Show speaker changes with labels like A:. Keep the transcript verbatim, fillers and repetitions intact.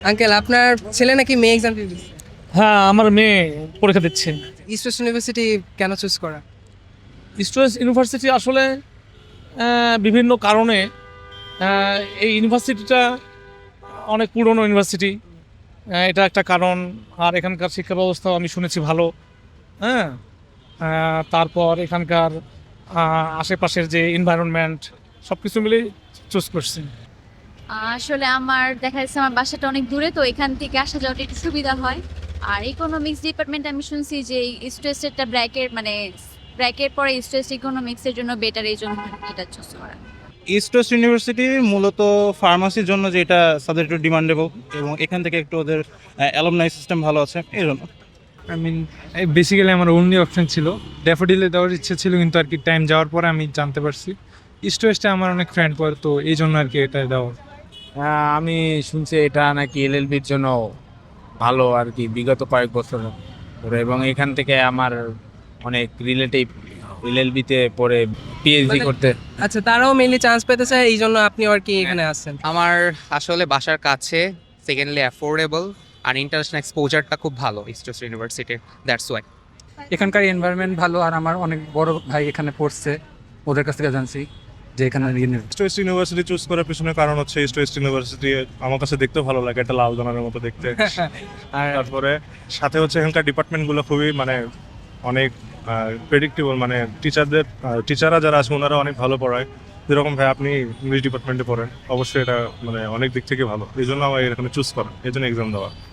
A: Uncle আপনার ছেলে নাকি মেয়ে এক্সাম দিচ্ছে?
B: হ্যাঁ, আমার মেয়ে পরীক্ষা দিচ্ছে।
A: ইস্ট ওয়েস্ট ইউনিভার্সিটি কেন চুজ করা?
B: ইস্ট ওয়েস্ট ইউনিভার্সিটি আসলে আহ, বিভিন্ন কারণে আহ, এই ইউনিভার্সিটিটা অনেক পুরনো ইউনিভার্সিটি, এটা একটা কারণ। আর এখানকার শিক্ষা ব্যবস্থাও আমি শুনেছি ভালো। হ্যাঁ, আহ, তারপর এখানকার আহ, আশেপাশের যে এনভায়রনমেন্ট সব কিছু মিলে চুজ করছি।
C: আসলে আমার দেখা যাচ্ছে আমার বাসাটা অনেক দূরে, তো এখান থেকে আসা যাওয়াটা একটু সুবিধা হয়। আর ইকোনমিক্স ডিপার্টমেন্ট আমি শুনছি যে ইস্ট ওয়েস্টেরটা ব্র্যাকের মানে ব্র্যাকের পরে ইস্ট ওয়েস্ট ইকোনমিক্সের জন্য বেটার, এই জন্য এটা চুজ করা।
D: ইস্ট ওয়েস্ট ইউনিভার্সিটি মূলত ফার্মাসির জন্য যেটা সাবজেক্ট একটু ডিমান্ডেবল, এবং এখান থেকে একটু ওদের অ্যালুমনাই সিস্টেম ভালো আছে এই জন্য।
E: আই মিন বেসিক্যালি আমার অনলি অপশন ছিল ড্যাফোডিলে দেওয়ার ইচ্ছে ছিল, কিন্তু আর কি টাইম যাওয়ার পরে আমি জানতে পারছি ইস্ট ওয়েস্টে আমার অনেক ফ্রেন্ড পড়ে, তো এই জন্য আর কি এটা দেওয়া।
F: হ্যাঁ, আমি শুনছি এটা নাকি এলএলবির জন্য ভালো আর কি, বিগত কয়েক বছর ধরে। এবং এখান থেকে আমার অনেক রিলেটিভ এলএলবিতে পড়ে পিএইচডি
A: মানে-
F: করতে।
A: আচ্ছা, তারাও মেইনলি চান্স পেতে চায়, এই জন্য আপনি আর কি এখানে আসছেন?
G: আমার আসলে বাসার কাছে, সেকেন্ডলি অ্যাফোর্ডেবল, আর ইন্টারন্যাশনাল এক্সপোজারটা খুব ভালো ইস্ট ওয়েস্ট ইউনিভার্সিটির, দ্যাটস ওয়াই।
H: এখানকার এনভায়রনমেন্ট ভালো, আর আমার অনেক বড় ভাই এখানে পড়ছে, ওদের কাছ থেকে জানছি যে এখানে
I: ইস্ট ওয়েস্ট ইউনিভার্সিটি চুজ করার পিছনে কারণ হচ্ছে ইস্ট ওয়েস্ট ইউনিভার্সিটি আমার কাছে দেখতেও ভালো লাগে, একটা লাল জনের মতো দেখতে। আর তারপরে সাথে হচ্ছে এখানকার ডিপার্টমেন্টগুলো খুবই মানে অনেক প্রেডিক্টেবল, মানে টিচারদের টিচাররা যারা আছে ওনারা অনেক ভালো পড়ায়। যেরকম ভাই আপনি ইংলিশ ডিপার্টমেন্টে পড়েন, অবশ্যই এটা মানে অনেক দিক থেকে ভালো, এই জন্য আমার এখানে চুজ করা, এই জন্য এক্সাম দেওয়া।